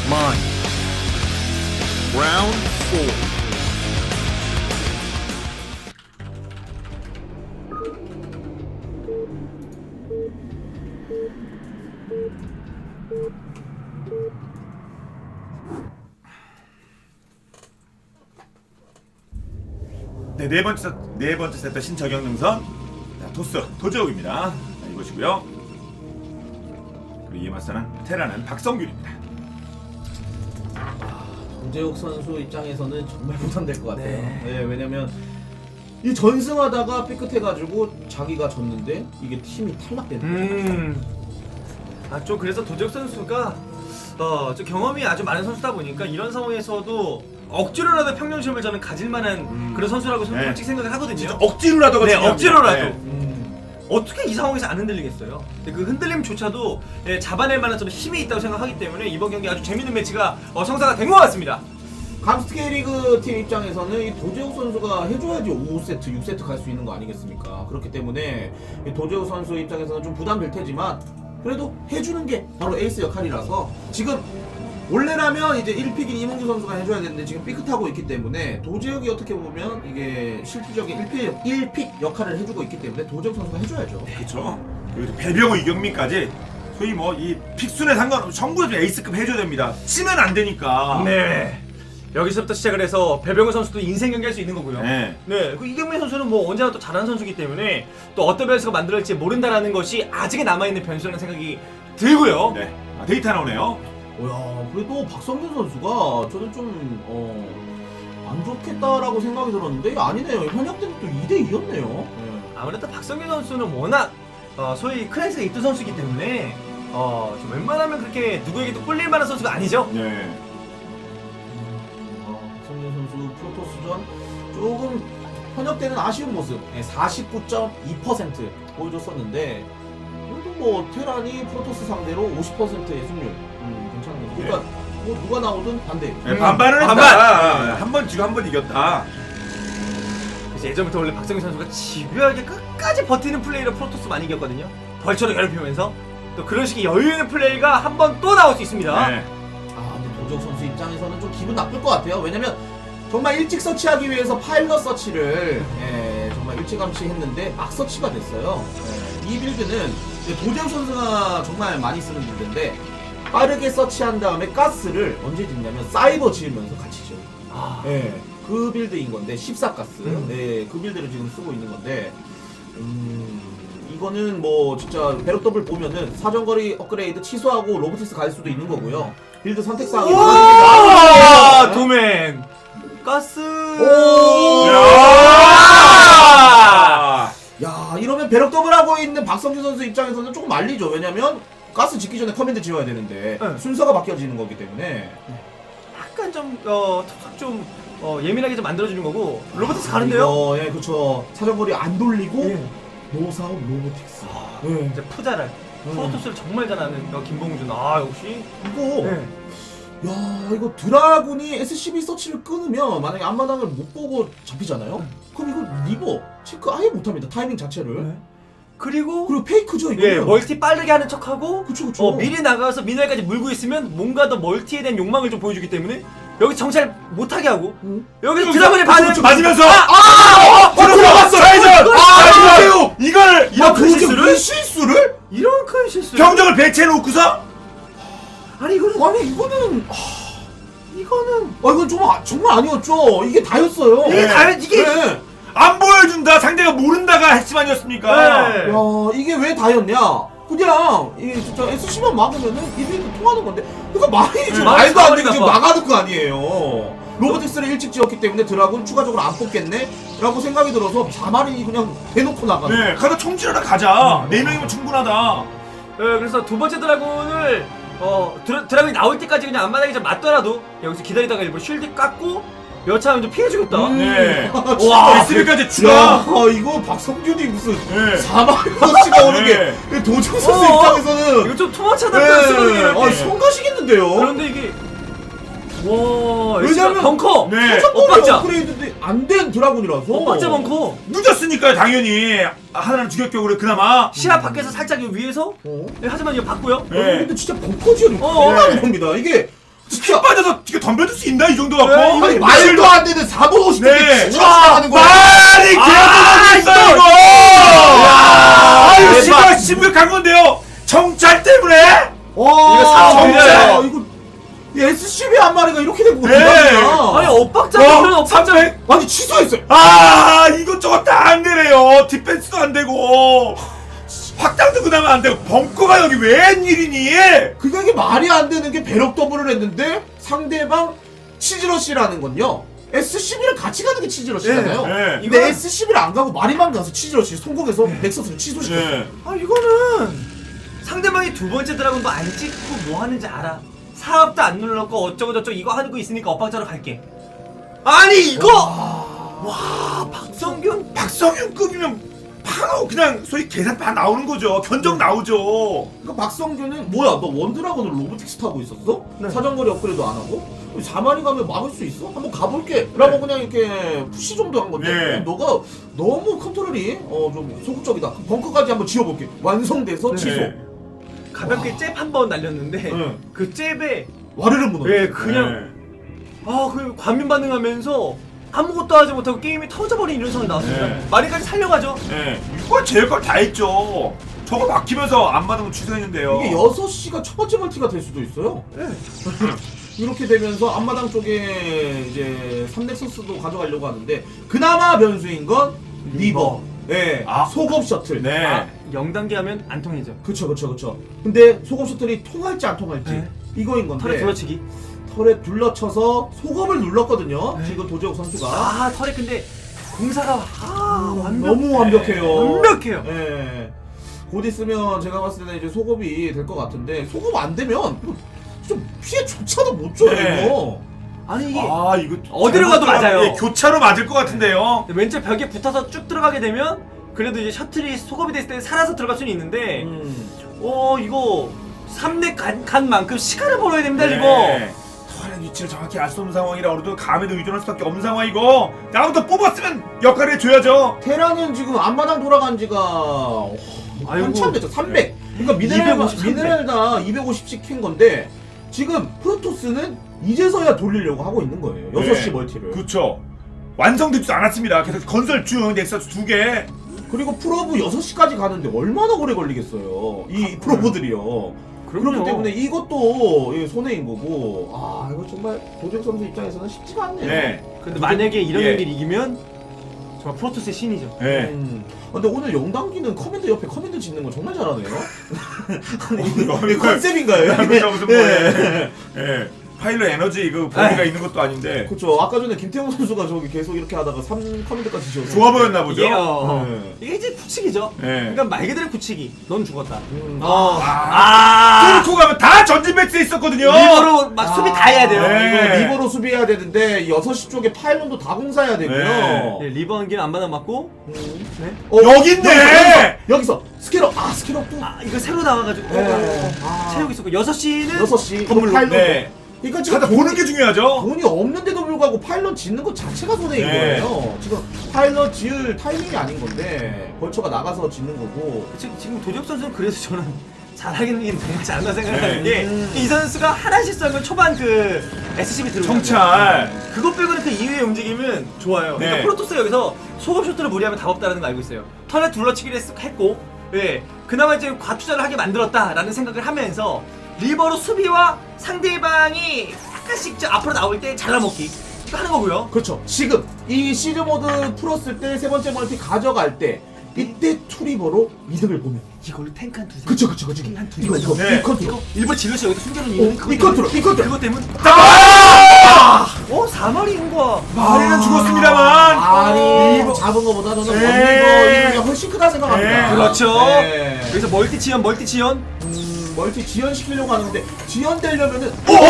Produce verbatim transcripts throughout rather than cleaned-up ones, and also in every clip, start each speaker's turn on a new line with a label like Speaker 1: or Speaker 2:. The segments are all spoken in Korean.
Speaker 1: Mine. Round four.
Speaker 2: 네, 네 번째 세- 네 번째 세트 신청형 능선. 자, 토스 도재욱입니다. 자, 이것이고요. 그리고 이에 맞서는 테라는 박성균입니다.
Speaker 3: 도재욱 선수 입장에서는 정말 부담될 것 같아요. 네. 네, 왜냐면 이 전승하다가 삐끗해가지고 자기가 졌는데 이게 팀이 탈락되는 거죠.
Speaker 4: 음. 아, 좀 그래서 도재욱 선수가 어, 좀 경험이 아주 많은 선수다 보니까 이런 상황에서도 억지로라도 평균심을 저는 가질 만한
Speaker 2: 음.
Speaker 4: 그런 선수라고 저는
Speaker 2: 네.
Speaker 4: 솔직히 생각을 하거든요.
Speaker 2: 진짜 억지로라도가
Speaker 4: 네,
Speaker 2: 중요합니다.
Speaker 4: 억지로라도.
Speaker 2: 네.
Speaker 4: 음. 어떻게 이 상황에서 안 흔들리겠어요? 근데 그 흔들림조차도 예, 잡아낼 만한 좀 힘이 있다고 생각하기 때문에 이번 경기 아주 재밌는 매치가 어, 성사가 된 것 같습니다.
Speaker 3: 감스트 K리그 팀 입장에서는 이 도재욱 선수가 해줘야지 오 세트, 육 세트 갈 수 있는 거 아니겠습니까? 그렇기 때문에 이 도재욱 선수 입장에서는 좀 부담될 테지만 그래도 해주는 게 바로 에이스 역할이라서 지금 원래라면 이제 일 픽인 이몽규 선수가 해줘야 되는데 지금 삐끗하고 있기 때문에 도재욱이 어떻게 보면 이게 실질적인 일 픽, 일 픽 역할을 해주고 있기 때문에 도재욱 선수가 해줘야죠.
Speaker 2: 그렇죠. 그리고 배병호 이경민까지 소위 뭐 이 픽순에 상관없이 전부 다 에이스급 해줘야 됩니다. 치면 안 되니까.
Speaker 4: 네. 여기서부터 시작을 해서 배병호 선수도 인생 경기할 수 있는 거고요.
Speaker 2: 네.
Speaker 4: 네. 그 이경민 선수는 뭐 언제나 또 잘하는 선수이기 때문에 또 어떤 변수가 만들어질지 모른다라는 것이 아직에 남아있는 변수라는 생각이 들고요.
Speaker 2: 네. 아, 데이터 나오네요.
Speaker 3: 오야, 그래도 박성균 선수가 저는 좀, 어, 안 좋겠다라고 생각이 들었는데 아니네요. 현역 때는 또 이 대 이였네요.
Speaker 4: 아무래도 박성균 선수는 워낙 어, 소위 클래스가 있던 선수이기 때문에 어, 좀 웬만하면 그렇게 누구에게도 꿀릴 만한 선수가 아니죠.
Speaker 2: 네.
Speaker 3: 어, 박성균 선수 프로토스전 조금 현역 때는 아쉬운 모습 사십구 점 이 퍼센트 보여줬었는데 그래도 뭐 테란이 프로토스 상대로 오십 퍼센트의 승률 음, 괜찮은 거죠. 그러니까 뭐 누가 나오든 반대.
Speaker 2: 네,
Speaker 4: 음,
Speaker 2: 반반을 했다.
Speaker 4: 반반.
Speaker 2: 한 번 지고 한 번 이겼다.
Speaker 4: 그래서 예전부터 원래 박성균 선수가 집요하게 끝까지 버티는 플레이로 프로토스 많이 이겼거든요. 벌처를 괴롭히면서 또 그런 식의 여유 있는 플레이가 한 번 또 나올 수 있습니다.
Speaker 2: 네.
Speaker 3: 아 근데 도적 선수 입장에서는 좀 기분 나쁠 것 같아요. 왜냐면 정말 일찍 서치하기 위해서 파일럿 서치를 예, 정말 일찌감치 했는데 막 서치가 됐어요. 예, 이 빌드는 도적 선수가 정말 많이 쓰는 빌드인데 빠르게 서치한 다음에 가스를 언제 짓냐면 사이버 지으면서 같이 지어요.
Speaker 4: 아,
Speaker 3: 예, 그 빌드인 건데 십사 가스
Speaker 4: 음.
Speaker 3: 예, 그 빌드를 지금 쓰고 있는 건데 음, 이거는 뭐 진짜 배럭 더블 보면은 사정거리 업그레이드 취소하고 로보틱스 갈 수도 있는 거고요. 빌드 선택 사항이
Speaker 4: 아,
Speaker 3: 많아집니다.
Speaker 4: 도맨 가스.
Speaker 3: 오!
Speaker 2: 야!
Speaker 3: 야, 이러면 배럭 더블 하고 있는 박성준 선수 입장에서는 조금 말리죠. 왜냐면 가스 짓기 전에 커맨드 지어야 되는데
Speaker 4: 네.
Speaker 3: 순서가 바뀌어지는 거기 때문에.
Speaker 4: 약간 좀 어, 툭툭 좀 어, 예민하게 좀 만들어주는 거고 로보틱스 가는데요?
Speaker 3: 이거, 예, 그쵸. 사정거리 안 돌리고
Speaker 4: 예.
Speaker 3: 노사업 로보틱스.
Speaker 4: 아,
Speaker 3: 예.
Speaker 4: 이제 푸자랄 프로토스를 정말 잘하는 어, 김봉준. 아 역시.
Speaker 3: 이거
Speaker 4: 네.
Speaker 3: 야, 이거 드라군이 에스씨비 서치를 끊으면 만약에 앞마당을 못 보고 잡히잖아요? 그럼 이거 리버 체크 아예 못합니다. 타이밍 자체를.
Speaker 4: 네. 그리고
Speaker 3: 그리고 페이크죠, 이거.
Speaker 4: 예 멀티 빠르게 하는 척하고
Speaker 3: 그쵸, 그쵸.
Speaker 4: 어, 미리 나가서 미네랄까지 물고 있으면 뭔가 더 멀티에 대한 욕망을 좀 보여주기 때문에 여기 정찰 못하게 하고
Speaker 3: 응?
Speaker 4: 여기서 드라군이 반응
Speaker 2: 그렇죠. 맞으면서
Speaker 3: 아! 어, 들어갔어!
Speaker 2: 좌회전!
Speaker 3: 아,
Speaker 2: 이거 이걸
Speaker 3: 이런
Speaker 4: 큰 실수를?
Speaker 3: 왜 실수를?
Speaker 4: 이런 큰 실수.
Speaker 2: 병력을 배치해 놓고서
Speaker 4: 아니 이거는
Speaker 3: 아니, 이거는.
Speaker 4: 이거는
Speaker 3: 아, 이건 좀, 아- 정말 아니었죠. 이게 다였어요.
Speaker 4: 이게
Speaker 2: 네.
Speaker 4: 다 이게
Speaker 3: 네.
Speaker 2: 안 보여준다. 상대가 모른다가 핵심 아니었습니까?
Speaker 4: 네.
Speaker 3: 야, 이게 왜 다였냐? 그냥 이 진짜 에스씨만 막으면은 이 빌드 통하는 건데 그러니까 말이 좀
Speaker 4: 네,
Speaker 3: 말도 안 되게
Speaker 4: 말이
Speaker 3: 지금
Speaker 4: 나빠.
Speaker 3: 막아둘 거 아니에요. 로보틱스를 일찍 지었기 때문에 드라군 추가적으로 안 뽑겠네? 라고 생각이 들어서 자말이 그냥 대놓고 나가는
Speaker 2: 네, 가다 총질하러 가자. 네 명이면 충분하다.
Speaker 4: 네, 그래서 두 번째 드라군을 어 드라, 드라군이 나올 때까지 그냥 앞마당에 좀 맞더라도 여기서 기다리다가 일부러 쉴드 깎고 여차하면 좀 피해주겠다.
Speaker 3: 음.
Speaker 2: 네.
Speaker 3: 와,
Speaker 2: 에스비까지
Speaker 3: 야,
Speaker 2: 추가.
Speaker 3: 이거 박성균이 무슨
Speaker 2: 네.
Speaker 3: 사마리 서치가 오는
Speaker 2: 네.
Speaker 3: 게 도정 선수
Speaker 4: 어,
Speaker 3: 입장에서는
Speaker 4: 이거 좀 투머치하다
Speaker 3: 네.
Speaker 4: 네.
Speaker 3: 아, 성가시겠는데요?
Speaker 4: 그런데 이게 와
Speaker 3: 왜냐면-
Speaker 4: 벙커
Speaker 2: 네.
Speaker 3: 사정거리
Speaker 4: 엇박자.
Speaker 3: 업그레이드 안 된 드라군이라서
Speaker 4: 엇박자 벙커
Speaker 2: 늦었으니까요, 당연히. 하나는 주격격으로 그나마.
Speaker 4: 시야 밖에서 살짝 이 위에서
Speaker 3: 어?
Speaker 4: 네, 하지만 이거 봤고요.
Speaker 2: 네.
Speaker 3: 근데 진짜 벙커지어도
Speaker 4: 어,
Speaker 3: 큰일 나는
Speaker 2: 네.
Speaker 3: 겁니다. 이게
Speaker 2: 피 빠져서 이게 덤벼줄 수 있나 이 정도 갖고?
Speaker 4: 네, 이거
Speaker 3: 아니 말도 안 되는 사 분 오십 분에
Speaker 2: 네.
Speaker 3: 추가하는 거야.
Speaker 2: 말이 개어졌어 이거! 아유
Speaker 4: 대박.
Speaker 2: 심각 심각한 건데요. 정찰 때문에?
Speaker 3: 와,
Speaker 4: 이거 사업
Speaker 3: 진짜
Speaker 4: 밀려요.
Speaker 3: 이거 이 에스씨비 한 마리가 이렇게 된 거야.
Speaker 2: 네.
Speaker 4: 아니 엇박자 그런 엇박자.
Speaker 2: 삼백?
Speaker 3: 아니 취소했어요.
Speaker 2: 아 이것저것 다 안 되네요. 디펜스도 안 되고 확장도 그나마 안 되고 벙커가 여기 웬일이니?
Speaker 3: 그러니까 이게 말이 안 되는 게 배럭 더블을 했는데 상대방 치즈러시라는 건요. 에스씨비를 같이 가는 게 치즈러시잖아요.
Speaker 2: 네, 네.
Speaker 3: 근데
Speaker 4: 이거는-
Speaker 3: 에스씨비를 안 가고 마리만 가서 치즈러시 성공해서 넥서스를 취소시켰어요.
Speaker 2: 네.
Speaker 4: 아 이거는 상대방이 두 번째 드라군도 안 찍고 뭐 하는지 알아. 사업도 안 눌렀고 어쩌고 저쩌고 이거 하는 거 있으니까 엇박자로 갈게. 아니 이거 와 박성균
Speaker 2: 박성윤급이면 바로 그냥 소위 계산 다 나오는 거죠. 견적 나오죠.
Speaker 3: 그러니까 박성규는 뭐야 너 원드라곤을 로보틱스 타고 있었어?
Speaker 4: 네.
Speaker 3: 사정거리 업그레이드 안 하고? 사만이 가면 막을 수 있어? 한번 가볼게 라고 그냥 이렇게 푸시 정도 한 건데
Speaker 2: 네.
Speaker 3: 너가 너무 컨트롤이 어, 좀 소극적이다. 그럼 벙커까지 한번 지어볼게. 완성돼서
Speaker 4: 네.
Speaker 3: 취소.
Speaker 4: 가볍게 잽 한 번 날렸는데
Speaker 3: 네.
Speaker 4: 그 잽에
Speaker 3: 와르르 무너져.
Speaker 4: 예 그냥 아그 관민 반응하면서 아무것도 하지 못하고 게임이 터져버린 이런 상황이 나왔습니다.
Speaker 2: 네.
Speaker 4: 마리까지 살려가죠.
Speaker 2: 네. 이거 제일 걸 다 했죠. 저거 막히면서 안 받으면 취소했는데요.
Speaker 3: 이게 여섯 시가 첫 번째 멀티가 될 수도 있어요.
Speaker 4: 네.
Speaker 3: 이렇게 되면서 앞마당 쪽에 이제 삼넥서스도 가져가려고 하는데 그나마 변수인 건 리버. 예.
Speaker 2: 아.
Speaker 3: 소급 셔틀.
Speaker 2: 네.
Speaker 4: 아, 영 단계 하면 안 통이죠.
Speaker 3: 그쵸 그쵸 그쵸. 근데 소급 셔틀이 통할지 안 통할지
Speaker 4: 네.
Speaker 3: 이거인 건데
Speaker 4: 털에 둘러치기.
Speaker 3: 털에 둘러쳐서 소급을 눌렀거든요.
Speaker 4: 네.
Speaker 3: 지금 도재욱 선수가
Speaker 4: 아 털에 근데 공사가 아 완벽.
Speaker 3: 너무 완벽해요.
Speaker 4: 완벽해요.
Speaker 3: 예. 곧 있으면 제가 봤을 때는 이제 소급이 될 것 같은데 소급 안 되면 좀 피해조차도 못 줘요.
Speaker 2: 네.
Speaker 3: 이거.
Speaker 4: 아니 이게
Speaker 2: 아 이거
Speaker 4: 어디로 가도
Speaker 2: 잘못
Speaker 4: 맞아요.
Speaker 2: 들어가면, 예, 교차로 맞을 것 같은데요.
Speaker 4: 왼쪽 벽에 붙어서 쭉 들어가게 되면 그래도 이제 셔틀이 소급이 됐을 때 살아서 들어갈 수는 있는데
Speaker 3: 음.
Speaker 4: 어 이거 삼렙 간, 간 만큼 시간을 벌어야 됩니다
Speaker 2: 네.
Speaker 4: 이거.
Speaker 2: 털의 위치를 정확히 알 수 없는 상황이라 우리도 감에도 의존할 수밖에 없는 상황이고 나부터 뽑았으면 역할을 해줘야죠.
Speaker 3: 테라는 지금 앞마당 돌아간 지가 어,
Speaker 4: 아이고.
Speaker 3: 한참 됐죠. 삼백. 그러니까 미네랄
Speaker 4: 이백오십,
Speaker 3: 미네랄 다 이백오십씩 캔 건데 지금 프로토스는 이제서야 돌리려고 하고 있는 거예요. 여섯 시 멀티를.
Speaker 2: 그렇죠. 완성되지도 않았습니다. 계속 건설 중 넥서스 두 개.
Speaker 3: 그리고 프로브 여섯 시까지 가는데 얼마나 오래 걸리겠어요. 이 프로브들이요.
Speaker 4: 그럼요.
Speaker 3: 그렇기 때문에 이것도 예, 손해인 거고. 아 이거 정말 도재욱 선수 입장에서는 쉽지가 않네요.
Speaker 2: 네.
Speaker 4: 근데 만약에 이런
Speaker 2: 예.
Speaker 4: 경기를 이기면 정말 프로토스의 신이죠.
Speaker 2: 네.
Speaker 3: 음. 근데 오늘 영단기는 커맨드 옆에 커맨드 짓는 거 정말 잘하네요. 아니,
Speaker 2: 이거-
Speaker 3: 이게 컨셉인가요?
Speaker 2: 이거
Speaker 3: 이게?
Speaker 2: 무슨
Speaker 3: 예.
Speaker 2: 뭐예요? 예. 파일럿 에너지 그 범위가
Speaker 4: 에이.
Speaker 2: 있는 것도 아닌데
Speaker 3: 그렇죠. 아까 전에 김태형 선수가 저기 계속 이렇게 하다가 삼 커맨드까지 지었어요.
Speaker 2: 좋아 보였나 보죠.
Speaker 4: 이게, 어,
Speaker 3: 네.
Speaker 4: 이게 이제 굳히기죠.
Speaker 2: 네.
Speaker 4: 그러니까 말 그대로 굳히기. 넌 죽었다.
Speaker 3: 음.
Speaker 4: 어.
Speaker 2: 아,
Speaker 4: 아.
Speaker 2: 뚫고 가면 다 전진 배치에 있었거든요.
Speaker 4: 리버로 막 수비 다 해야 돼요.
Speaker 2: 네.
Speaker 3: 이거 리버로 수비해야 되는데 여섯 시 쪽에 파일론도 다 공사해야 되고요.
Speaker 2: 네.
Speaker 4: 네, 리버 한 개는 안 받아 맞고.
Speaker 3: 음.
Speaker 4: 네.
Speaker 3: 어,
Speaker 2: 여기 있네!
Speaker 3: 여기서, 여기서 스캐럽. 아 스캐럽 또.
Speaker 4: 아 이거 새로 나와가지고
Speaker 3: 네.
Speaker 4: 어, 어, 어.
Speaker 3: 아.
Speaker 4: 체육 있었고 여섯 시는
Speaker 3: 여섯 시
Speaker 4: 건물로.
Speaker 3: 파일론도.
Speaker 2: 네.
Speaker 3: 그러니까 지금
Speaker 2: 찾아 보는 게 중요하죠.
Speaker 3: 돈이 없는데도 불구하고 파일럿 짓는 것 자체가 손해인
Speaker 2: 네.
Speaker 3: 거예요. 지금 파일럿 지을 타이밍이 아닌 건데 벌처가 나가서 짓는 거고.
Speaker 4: 지금 지금 도적 선수는 그래서 저는 잘하긴 정말 잘한다 생각하는
Speaker 2: 네.
Speaker 4: 게 이
Speaker 3: 음.
Speaker 4: 선수가 하나 실수하면 초반 그 에스씨비 들어오고
Speaker 2: 정찰.
Speaker 4: 그것 빼고는 그 이후의 움직임은 좋아요. 그러니까
Speaker 2: 네.
Speaker 4: 프로토스가 여기서 소급 쇼트를 무리하면 답 없다는 거 알고 있어요. 턴에 둘러치기를 했- 했고, 예, 그나마 이제 과투자를 하게 만들었다라는 생각을 하면서 리버로 수비와 상대방이 약간씩 저 앞으로 나올 때 잘라먹기 이거 하는 거고요.
Speaker 3: 그렇죠. 지금 이 시즈 모드 풀었을 때 세 번째 멀티 가져갈 때 이때 투리버로 이득을 보면.
Speaker 4: 이걸로 탱크 한 두세.
Speaker 3: 그쵸 그쵸 그쵸.
Speaker 4: 한두
Speaker 3: 이거 이거
Speaker 2: 네.
Speaker 3: 이 컨트롤.
Speaker 4: 이거 일본 질러시 여기서 숨겨놓은
Speaker 3: 어,
Speaker 4: 이유는 그것
Speaker 3: 이 컨트롤, 이 컨트롤.
Speaker 4: 그것 때문.
Speaker 2: 아!
Speaker 4: 어 사마리인 거야.
Speaker 2: 마리는 죽었습니다만.
Speaker 3: 아니
Speaker 2: 이거-
Speaker 3: 잡은 거보다 저는
Speaker 2: 네.
Speaker 3: 원리버 이거가 훨씬 크다 생각합니다.
Speaker 2: 네.
Speaker 4: 그렇죠.
Speaker 3: 네.
Speaker 4: 여기서 멀티 지연, 멀티 지연.
Speaker 3: 음, 멀티 지연시키려고 하는데 지연되려면은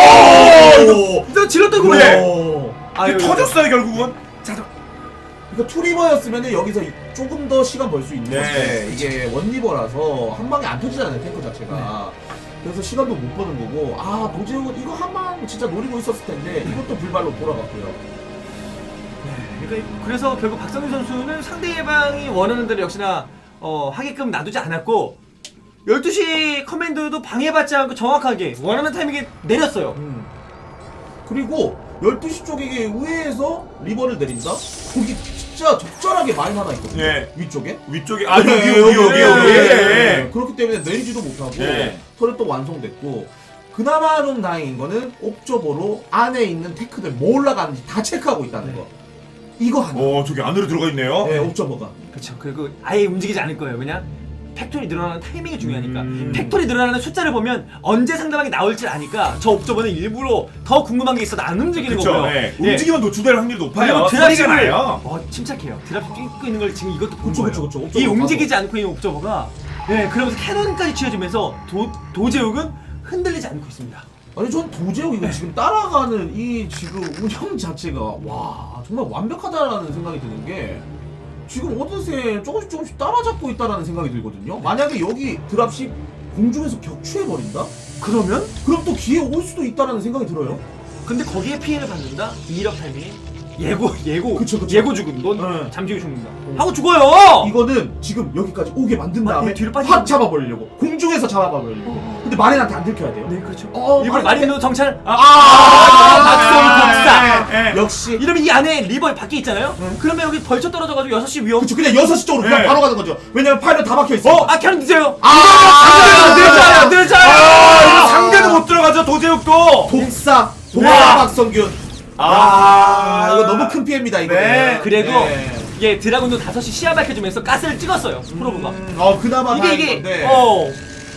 Speaker 2: 오!
Speaker 4: 너 질렀던 거
Speaker 2: 네.
Speaker 3: 오!
Speaker 2: 이게 터졌어요 결국은. 자, 자.
Speaker 3: 그러니까 투리버였으면은 여기서 조금 더 시간 벌 수 있는
Speaker 2: 네.
Speaker 3: 건데 이게 원리버라서 한 방에 안 터지잖아요 탱크 자체가. 그래서 시간도 못 버는 거고 아 도재욱은 이거 한 방 진짜 노리고 있었을 텐데 이것도 불발로 돌아갔고요.
Speaker 4: 그러니까 그래서 결국 박성민 선수는 상대방이 원하는 대로 역시나 어, 하게끔 놔두지 않았고 열두 시 커맨드도 방해받지 않고 정확하게 원하는 타이밍에 내렸어요.
Speaker 3: 음. 그리고 열두 시 쪽에 이게 우회해서 리버를 내린다? 거기 진짜 적절하게 마인 하나 있거든요.
Speaker 2: 예.
Speaker 3: 위쪽에.
Speaker 2: 위쪽에 아 여기
Speaker 3: 네,
Speaker 2: 여기 여기 여기. 여기.
Speaker 3: 네. 그렇기 때문에 내리지도 못하고
Speaker 2: 네.
Speaker 3: 터렛도 완성됐고 그나마 좀 다행인 거는 옵저버로 안에 있는 테크들 뭐 올라가는지 다 체크하고 있다는 거. 이거 하나.
Speaker 2: 어 저기 안으로 들어가 있네요.
Speaker 3: 네, 옵저버가.
Speaker 4: 그렇죠. 그리고 아예 움직이지 않을 거예요. 왜냐? 팩토리 늘어나는 타이밍이 중요하니까.
Speaker 2: 음.
Speaker 4: 팩토리 늘어나는 숫자를 보면 언제 상대방이 나올지 아니까 저 옵저버는 일부러 더 궁금한 게 있어도 안 움직이는
Speaker 2: 그렇죠.
Speaker 4: 거고요.
Speaker 2: 네.
Speaker 4: 예.
Speaker 2: 움직이면 노출될 확률이 높아요.
Speaker 4: 그리고
Speaker 2: 소리가
Speaker 4: 드랍십을
Speaker 2: 나요.
Speaker 4: 어, 침착해요. 드랍십 뛰고 있는 걸 지금 이것도 본
Speaker 3: 그쵸,
Speaker 4: 거예요.
Speaker 3: 그쵸, 그쵸.
Speaker 4: 이
Speaker 3: 옵저버
Speaker 4: 움직이지 않고 있는 옵저버가 예, 그러면서 캐논까지 취해주면서 도, 도제욱은 흔들리지 않고 있습니다.
Speaker 3: 아니 전 도제욱 이거 지금 따라가는 이 지금 운영 자체가 와 정말 완벽하다라는 생각이 드는 게 지금 어느새 조금씩 조금씩 따라잡고 있다라는 생각이 들거든요. 만약에 여기 드랍십 공중에서 격추해버린다?
Speaker 4: 그러면?
Speaker 3: 그럼 또 기회 올 수도 있다라는 생각이 들어요.
Speaker 4: 근데 거기에 피해를 받는다? 이 일 업 타이밍에 예고 예고
Speaker 3: 그쵸, 그쵸.
Speaker 4: 예고 죽음 넌
Speaker 3: 네.
Speaker 4: 잠시 후에 죽는다 하고 죽어요.
Speaker 3: 이거는 지금 여기까지 오게 만든
Speaker 4: 아,
Speaker 3: 다음에
Speaker 4: 네, 뒤로 빠지고.
Speaker 3: 확 잡아버리려고 공중에서 잡아버리려고. 근데 마린한테 안 들켜야 돼요.
Speaker 4: 네 그렇죠.
Speaker 3: 어,
Speaker 4: 일부러
Speaker 3: 마린한테-
Speaker 4: 마린도 정찰 아,
Speaker 3: 아,
Speaker 4: 박성 복사.
Speaker 2: 예, 예.
Speaker 3: 역시
Speaker 4: 이러면 이 안에 리버 밖에 있잖아요.
Speaker 3: 네.
Speaker 4: 그러면 여기 벌쳐 떨어져가지고 여섯 시 위험.
Speaker 3: 그쵸 그냥 여섯 시 쪽으로 그냥
Speaker 2: 네.
Speaker 3: 바로 가는 거죠. 왜냐면 파일럿 다 박혀 있어.
Speaker 4: 어, 아 캐논 늦어요.
Speaker 3: 아,
Speaker 4: 늦어요, 늦어요.
Speaker 2: 아 이거 상대도 못 들어가죠 도제욱도.
Speaker 3: 독사
Speaker 2: 네.
Speaker 3: 도화 박성균.
Speaker 2: 아,
Speaker 3: 아 이거 너무 큰 피해입니다 이거.
Speaker 2: 네.
Speaker 4: 그래도
Speaker 3: 네.
Speaker 4: 예 드라군도 다섯 시 시야 밝혀주면서 가스를 찍었어요. 프로브가.
Speaker 3: 음, 어 그나마
Speaker 4: 이게
Speaker 3: 다행인
Speaker 4: 이게
Speaker 3: 건데.
Speaker 4: 어.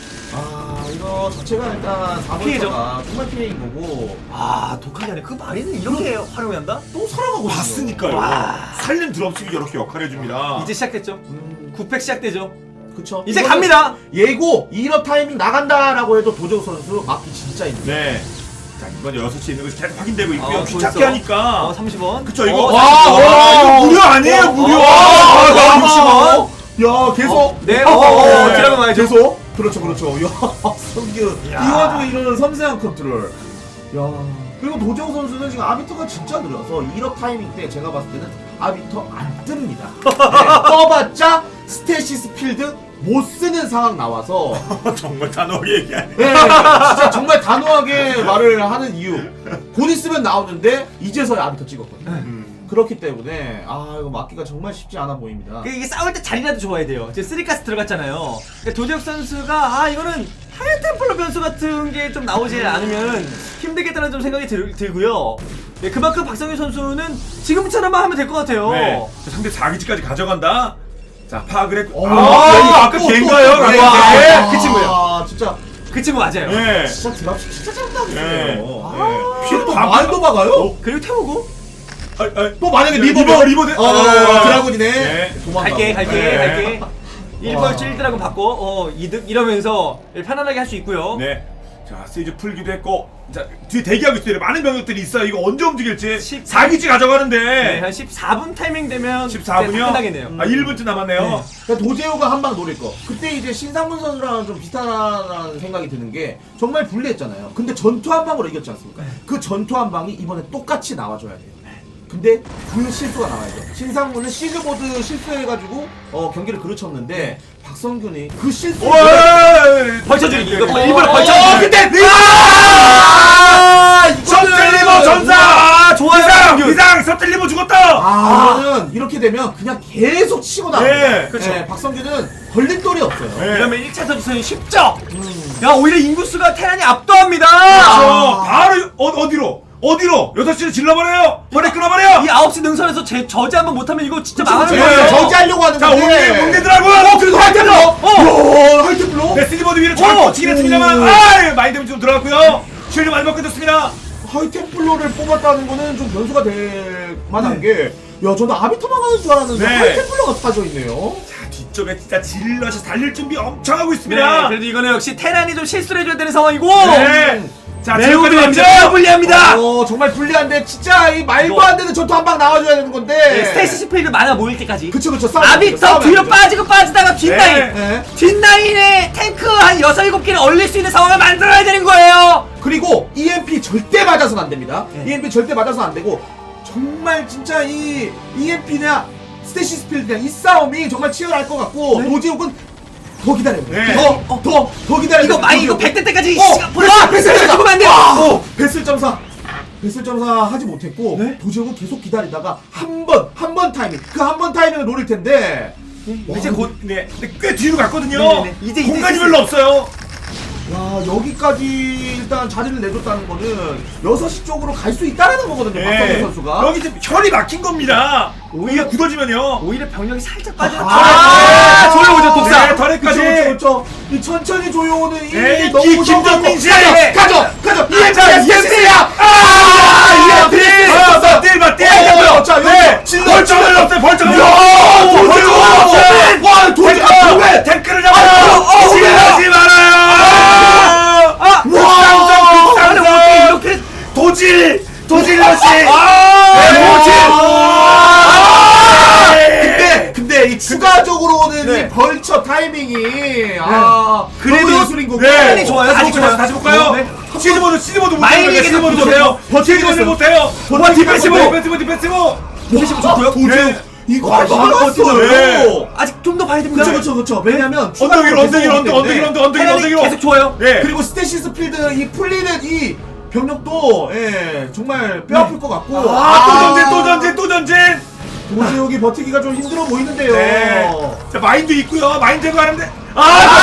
Speaker 3: 아 이거 자체가 일단
Speaker 4: 피해죠.
Speaker 3: 사 번째가 정말 피해인 거고
Speaker 4: 아 독하게 하네. 그 마린은 이렇게 활용한다?
Speaker 3: 또 살아가고
Speaker 2: 봤으니까요.
Speaker 4: 와.
Speaker 2: 살림 드롭십이 이렇게 역할을 해줍니다.
Speaker 4: 이제 시작됐죠.
Speaker 3: 음,
Speaker 4: 구팩 시작되죠.
Speaker 3: 그쵸.
Speaker 4: 이제
Speaker 3: 이거는
Speaker 4: 갑니다.
Speaker 3: 예고 이 업 타이밍 나간다라고 해도 도재욱 선수 맞기 진짜 힘들어요.
Speaker 2: 네. 자 이번 여섯 시에 있는 것이 계속 확인되고 있고요.
Speaker 4: 어,
Speaker 2: 귀찮게
Speaker 4: 벌써.
Speaker 2: 하니까.
Speaker 4: 어 삼십 원.
Speaker 2: 그쵸 이거.
Speaker 4: 어,
Speaker 2: 와,
Speaker 4: 삼십 원.
Speaker 2: 와, 이거 무료 아니에요 무료.
Speaker 3: 와,
Speaker 2: 와,
Speaker 3: 육십 원. 야 계속.
Speaker 4: 어, 네,
Speaker 3: 어,
Speaker 4: 어, 어,
Speaker 3: 네.
Speaker 4: 드라마 많이
Speaker 3: 계속. 그렇죠 그렇죠. 야 성규 이
Speaker 4: 야.
Speaker 3: 와중에 이런 섬세한 컨트롤. 야 그리고 도재욱 선수는 지금 아비터가 진짜 느려서 일 업 타이밍 때 제가 봤을 때는 아비터 안 뜹니다. 네, 떠봤자 스테시스 필드 못 쓰는 상황 나와서
Speaker 2: 정말 단호하게 얘기하네.
Speaker 3: 네, 진짜 정말 단호하게 말을 하는 이유. 곧 있으면 나오는데 이제서야 아비터 찍었거든요.
Speaker 2: 음.
Speaker 3: 그렇기 때문에 아 이거 막기가 정말 쉽지 않아 보입니다.
Speaker 4: 그 이게 싸울 때 자리라도 좋아야 돼요. 지금 쓰리가스 들어갔잖아요. 그러니까 도재욱 선수가 아 이거는 하얀 템플러 변수 같은 게 좀 나오지 않으면 힘들겠다는 좀 생각이 들, 들고요. 네, 그만큼 박성규 선수는 지금처럼만 하면 될 것 같아요.
Speaker 2: 네. 자, 상대 사 기지까지 가져간다. 자 파악을 했고.
Speaker 3: 어,
Speaker 2: 아, 이거 아까
Speaker 3: 또, 또,
Speaker 2: 걔인가요?
Speaker 3: 또, 네,
Speaker 2: 아까
Speaker 3: 네.
Speaker 2: 걔?
Speaker 3: 아,
Speaker 4: 그 친구예요.
Speaker 3: 아 진짜
Speaker 4: 그 친구 맞아요.
Speaker 2: 네.
Speaker 3: 진짜 드랍십 진짜 잘한다고
Speaker 2: 네.
Speaker 3: 했어요.
Speaker 2: 네.
Speaker 3: 피해 또
Speaker 2: 다
Speaker 3: 말도 막아요?
Speaker 4: 그리고 태우고
Speaker 2: 아, 아,
Speaker 3: 또 만약에
Speaker 2: 리버,
Speaker 3: 리버
Speaker 2: 리버 대-
Speaker 3: 어,
Speaker 2: 아,
Speaker 3: 드라군이네.
Speaker 2: 네.
Speaker 3: 도망가고.
Speaker 4: 갈게 갈게
Speaker 2: 네.
Speaker 4: 갈게 일
Speaker 3: 와.
Speaker 4: 벌 일 드라군 받고 어 이득 이러면서 편안하게 할 수 있고요.
Speaker 2: 네. 자 세이즈 풀기도 했고. 자 뒤에 대기하고 있어요. 많은 병력들이 있어요. 이거 언제 움직일지.
Speaker 4: 십-
Speaker 2: 사 기지 가져가는데.
Speaker 4: 네, 한 십사 분 타이밍 되면
Speaker 2: 십사 분이요?
Speaker 4: 끝나겠네요.
Speaker 2: 아 일 분쯤 남았네요.
Speaker 3: 네. 그러니까 도재호가 한 방 노릴 거. 그때 이제 신상문 선수랑 좀 비슷하다는 생각이 드는 게 정말 불리했잖아요. 근데 전투 한 방으로 이겼지 않습니까? 그 전투 한 방이 이번에 똑같이 나와줘야 돼요. 근데 그 실수가 나와야죠. 신상문은 시그보드 실수해가지고 어, 경기를 그르쳤는데 박성균이 그 실수를
Speaker 4: 벌쳐주기 이거
Speaker 2: 어,
Speaker 4: 일부러
Speaker 3: 어,
Speaker 4: 벌쳐주기.
Speaker 3: 근데 리버!
Speaker 4: 아,
Speaker 2: 서틀리버 전사!
Speaker 4: 아, 좋아요.
Speaker 2: 비상! 비상! 서틀리버 죽었다!
Speaker 3: 아, 이거는 이렇게 되면 그냥 계속 치고 나옵니다.
Speaker 2: 네,
Speaker 4: 그렇죠.
Speaker 3: 네, 박성균은 걸림돌이 없어요.
Speaker 2: 네.
Speaker 4: 이러면 일 차 선수는 쉽죠.
Speaker 3: 음.
Speaker 4: 야 오히려 인구수가 테란이 압도합니다.
Speaker 2: 그렇죠. 바로 어, 어디로? 어디로? 여섯 시를 질러버려요! 머리 끊어버려요!
Speaker 4: 이 아홉 시 능선에서 제 저지 한번 못하면 이거 진짜
Speaker 3: 그쵸,
Speaker 4: 망하는
Speaker 3: 그쵸.
Speaker 4: 거예요.
Speaker 2: 네.
Speaker 3: 저지하려고 하는
Speaker 2: 자,
Speaker 3: 건데.
Speaker 2: 오늘 뭉개더라고요!
Speaker 3: 어, 그래도 하이템블러! 어! 하이템블러!
Speaker 2: 네, 스니버드 위로
Speaker 4: 오!
Speaker 2: 잘 치긴 했습니다만,
Speaker 3: 오.
Speaker 2: 아 마인드 데미지 좀 들어갔고요! 쉴드 많이 먹게 됐습니다!
Speaker 3: 하이템플러를 뽑았다는 거는 좀 변수가 될 만한 게, 야, 저는 아비터만 가는 줄 알았는데,
Speaker 2: 네.
Speaker 3: 하이템플러가 빠져 있네요.
Speaker 2: 자, 뒤쪽에 진짜 질럿이 달릴 준비 엄청 하고
Speaker 4: 네,
Speaker 2: 있습니다!
Speaker 4: 그래도 이거는 역시 테란이 좀 실수를 해줘야 되는 상황이고.
Speaker 2: 네. 자,
Speaker 4: 매우
Speaker 2: 지금까지
Speaker 4: 불리합니다.
Speaker 2: 갑니다.
Speaker 4: 매우 불리합니다.
Speaker 3: 어, 정말 불리한데, 진짜 이 말도
Speaker 4: 이거.
Speaker 3: 안 되는 전투 한 방 나와줘야 되는 건데.
Speaker 4: 네, 스테이시 스필드 많아 모일 때까지.
Speaker 3: 그쵸, 그쵸. 싸우면 안
Speaker 4: 아비터
Speaker 3: 되죠, 싸우면
Speaker 4: 뒤로
Speaker 3: 안 되죠.
Speaker 4: 빠지고 빠지다가 뒷라인.
Speaker 2: 네.
Speaker 3: 네.
Speaker 4: 뒷라인에 탱크 한 여섯 일곱 개를 얼릴 수 있는 상황을 만들어야 되는 거예요.
Speaker 3: 그리고 이엠피 절대 맞아서는 안 됩니다.
Speaker 4: 네.
Speaker 3: 이엠피 절대 맞아서는 안 되고, 정말 진짜 이 이엠피냐, 스테시스 필드냐, 이 싸움이 정말 치열할 것 같고,
Speaker 4: 네.
Speaker 3: 노지욱은 더 기다려야 돼.
Speaker 2: 네.
Speaker 3: 더, 어, 더, 더 기다려야 돼.
Speaker 4: 이거 많이 이거
Speaker 3: 노지욱은.
Speaker 4: 백 대 때까지
Speaker 3: 어,
Speaker 4: 시간
Speaker 3: 베슬, 베슬
Speaker 4: 죽으면 안 돼요.
Speaker 3: 어, 베슬 점사. 배슬 점사 하지 못했고
Speaker 4: 네?
Speaker 3: 도제욱은 계속 기다리다가 한 번 한 번 타이밍 그 한 번 타이밍을 노릴 텐데
Speaker 2: 이제 곧 네, 근데 꽤 뒤로 갔거든요.
Speaker 4: 네네네. 이제, 이제
Speaker 2: 공간이
Speaker 4: 이제
Speaker 2: 별로 없어요.
Speaker 3: 야 여기까지 일단 자리를 내줬다는 거는 여섯 시 쪽으로 갈 수 있다라는 거거든요.
Speaker 2: 네.
Speaker 3: 박성규 선수가.
Speaker 2: 여기 지금 혈이 막힌 겁니다. 오히려 굳어지면요.
Speaker 4: 오히려 병력이 살짝 빠져.
Speaker 3: 아,
Speaker 4: 아, 조여오죠 독사.
Speaker 2: 네, 털에까지.
Speaker 3: 그쵸, 그쵸, 그쵸. 이 천천히 조여오는 이
Speaker 2: 에이,
Speaker 3: 너무
Speaker 2: 기-
Speaker 3: 무서운
Speaker 2: 김정민
Speaker 3: 거.
Speaker 2: 씨!
Speaker 3: 가져 가져 가져
Speaker 2: 아, 자,
Speaker 3: 이엠피에스야
Speaker 2: 아,
Speaker 3: 이엠피에스
Speaker 2: 아, 뛸 봐, 뛸
Speaker 3: 어,
Speaker 2: 봐.
Speaker 3: 자, 여기
Speaker 2: 네,
Speaker 3: 질러,
Speaker 2: 벌점을
Speaker 3: 질러.
Speaker 2: 넣었어요, 벌점을.
Speaker 3: 야,
Speaker 2: 벌점을
Speaker 3: 도저히
Speaker 2: 넣었어요.
Speaker 3: 와, 도저히. 아, 왜?
Speaker 2: 탱크를
Speaker 3: 아,
Speaker 2: 잡아요.
Speaker 3: 어, 어,
Speaker 2: 질러지 말아요.
Speaker 4: 아,
Speaker 2: 극상점,
Speaker 4: 아니 어떻게
Speaker 2: 극상점.
Speaker 4: 이렇게
Speaker 2: 도질, 도질러시.
Speaker 3: 아,
Speaker 2: 네, 도질.
Speaker 3: 아,
Speaker 2: 네.
Speaker 3: 근데 근데 이 추가적으로는
Speaker 4: 네.
Speaker 3: 이 벌처 타이밍이 아
Speaker 4: 그래도
Speaker 3: 너무 예술인 거고.
Speaker 2: 네.
Speaker 4: 팬이 좋아요.
Speaker 2: 다시
Speaker 4: 좋아요.
Speaker 2: 볼까요? 다시 볼까요?
Speaker 4: 네.
Speaker 2: 시즈모드, 시즈모드
Speaker 4: 마이닝이
Speaker 2: 못해요. 시즈모드
Speaker 4: 계속
Speaker 2: 못해요.
Speaker 3: 버티고
Speaker 2: 시즈모드
Speaker 3: 있어요.
Speaker 2: 못해요. 와, 디펜시브,
Speaker 3: 버티고
Speaker 2: 디펜시브, 디펜시브.
Speaker 4: 디펜시브 좋고요.
Speaker 3: 도저히
Speaker 2: 네.
Speaker 3: 이거
Speaker 2: 와,
Speaker 3: 막았어요.
Speaker 2: 네.
Speaker 4: 아직 좀 더 봐야 됩니다.
Speaker 3: 그쵸 그쵸 그쵸. 왜냐면
Speaker 2: 언덕일, 언덕일, 언덕, 언덕일, 언덕, 언덕일,
Speaker 4: 테란이
Speaker 2: 언덕일.
Speaker 4: 계속 좋아요.
Speaker 2: 네.
Speaker 3: 그리고 스테시스 필드 이 풀리는 이 병력도 예 정말 뼈 아플 것 같고
Speaker 2: 아, 또 전진, 또 전진, 또 전진.
Speaker 3: 도지욱이 버티기가 좀 힘들어 보이는데요.
Speaker 2: 네. 자, 마인도 있고요. 마인 제거하는데. 아,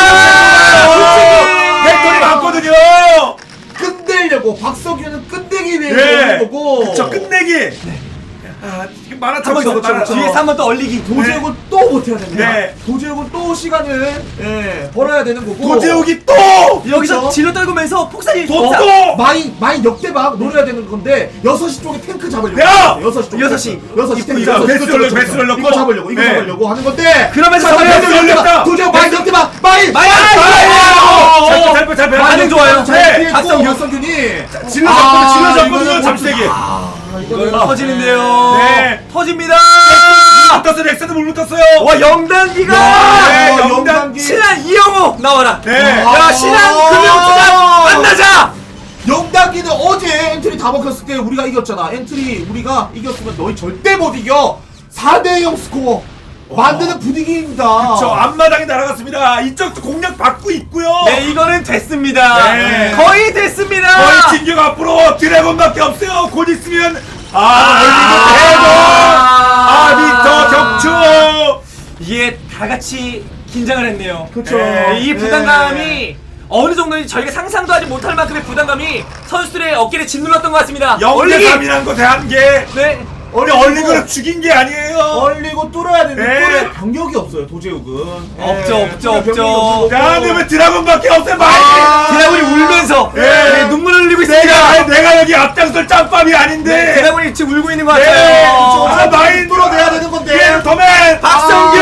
Speaker 3: 아,
Speaker 2: 벡터리 많거든요.
Speaker 3: 끝내려고 박석규는 끝내기 위해서
Speaker 2: 네.
Speaker 3: 오는 거고.
Speaker 2: 그쵸, 끝내기. 아, 지금 만화
Speaker 3: 한번
Speaker 2: 쳤어.
Speaker 3: 더, 그쵸, 그쵸.
Speaker 4: 뒤에서 한 번 더 얼리기.
Speaker 3: 도제욱은 또 버텨야 됩니다.
Speaker 2: 네.
Speaker 3: 도제욱은 또 시간을 예, 벌어야 되는 거고.
Speaker 2: 도제욱이 또.
Speaker 4: 여기서
Speaker 3: 그쵸?
Speaker 4: 질러 떨구면서 폭살이
Speaker 2: 또
Speaker 4: 어,
Speaker 2: 또.
Speaker 3: 마인 마인 역대박 노려야 되는 건데 여섯 시 쪽에 탱크 잡으려고.
Speaker 2: 야!
Speaker 3: 여섯 시 쪽.
Speaker 4: 여섯 시.
Speaker 3: 여섯 시
Speaker 2: 입구
Speaker 3: 탱크.
Speaker 2: 이거
Speaker 3: 여섯 시.
Speaker 2: 베스를
Speaker 3: 그쵸, 그쵸,
Speaker 2: 베스를
Speaker 3: 그쵸.
Speaker 2: 넣고.
Speaker 3: 이거 잡으려고 이거
Speaker 2: 네.
Speaker 3: 잡으려고 하는 건데.
Speaker 4: 그러면서
Speaker 3: 자,
Speaker 4: 정면
Speaker 3: 베스를
Speaker 2: 열렸다.
Speaker 3: 열렸다. 도제욱 마인
Speaker 2: 베스.
Speaker 3: 역대박 마인.
Speaker 4: 마인!
Speaker 2: 잘, 잘, 잘, 잘,
Speaker 4: 반응
Speaker 2: 잘.
Speaker 4: 좋아요.
Speaker 3: 잘
Speaker 2: 네.
Speaker 3: 피했고
Speaker 4: 박성균.
Speaker 3: 박성균이
Speaker 2: 질러
Speaker 3: 아,
Speaker 2: 잡거든요. 질러
Speaker 3: 이거는
Speaker 2: 잡거든요. 잠시대기.
Speaker 3: 아, 이거는
Speaker 4: 터지는데요.
Speaker 2: 네.
Speaker 4: 터집니다.
Speaker 2: 못 떴어요. 넥슨도 물 떴어요.
Speaker 4: 와 영단기가
Speaker 2: 네,
Speaker 3: 아,
Speaker 2: 영단.
Speaker 3: 영단기.
Speaker 4: 신한 이영호 나와라.
Speaker 2: 네.
Speaker 4: 야 신한 금융투자 만나자.
Speaker 3: 영단기는 어제 엔트리 다 먹혔을 때 우리가 이겼잖아. 엔트리 우리가 이겼으면 너희 절대 못 이겨. 사 대 영 스코어 만드는 분위기입니다.
Speaker 2: 저 앞마당이 날아갔습니다. 이쪽도 공략 받고 있고요.
Speaker 4: 네 이거는 됐습니다.
Speaker 2: 네.
Speaker 4: 거의 됐습니다.
Speaker 2: 거의 진격 앞으로 드래곤밖에 없어요. 곧 있으면 아, 얼리고 대고 아비터 격추.
Speaker 4: 이게 다 같이 긴장을 했네요.
Speaker 3: 그쵸.
Speaker 4: 네, 이
Speaker 3: 네.
Speaker 4: 부담감이 어느 정도인지 저희가 상상도 하지 못할 만큼의 부담감이 선수들의 어깨를 짓눌렀던 것 같습니다.
Speaker 2: 영대 삼이란 거 대한 게
Speaker 4: 네.
Speaker 2: 우리 얼리고를 죽인 게 아니에요.
Speaker 3: 얼리고 뚫어야 되는데
Speaker 2: 네.
Speaker 3: 뚫을 병력이 없어요. 도제욱은
Speaker 4: 없죠, 없죠,
Speaker 3: 뚫을 병력이
Speaker 4: 없죠.
Speaker 3: 없고.
Speaker 2: 대한민국 드래곤밖에 없어요. 마이.
Speaker 4: 드라군이 울면서
Speaker 2: 네.
Speaker 4: 네, 눈물을 흘리고 있습니다.
Speaker 2: 내가 내가 여기 앞장설 짬밥이 아닌데.
Speaker 4: 드라군이 지금 울고 있는 것
Speaker 2: 네.
Speaker 4: 같아요.
Speaker 2: 아, 마인
Speaker 3: 뚫어내야 되는 건데.
Speaker 2: 예, 더맨.
Speaker 4: 박성균!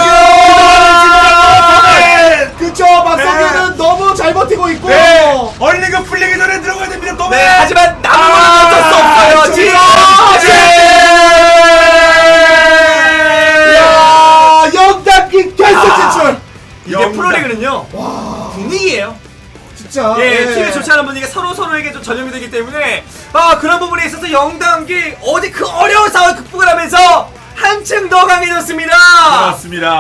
Speaker 2: 더맨.
Speaker 3: 그쵸. 박성규는 너무 잘 버티고 있고.
Speaker 2: 네. 얼리고 풀리기 전에 들어가야 됩니다. 더맨.
Speaker 4: 네, 하지만 남은 어쩔 수 없어요.
Speaker 3: 저기서
Speaker 4: 지금
Speaker 3: 야, 영단기 결승 진출.
Speaker 4: 이게
Speaker 2: 영단.
Speaker 4: 프로리그는요 분위기예요.
Speaker 3: 진짜.
Speaker 4: 예,
Speaker 3: 네.
Speaker 4: 팀이 좋지 않은 분위기가 서로 서로에게 좀 전염이 되기 때문에 아 그런 부분에 있어서 영단기 어제 그 어려운 상황을 극복을 하면서 한층 더 강해졌습니다.
Speaker 2: 그렇습니다.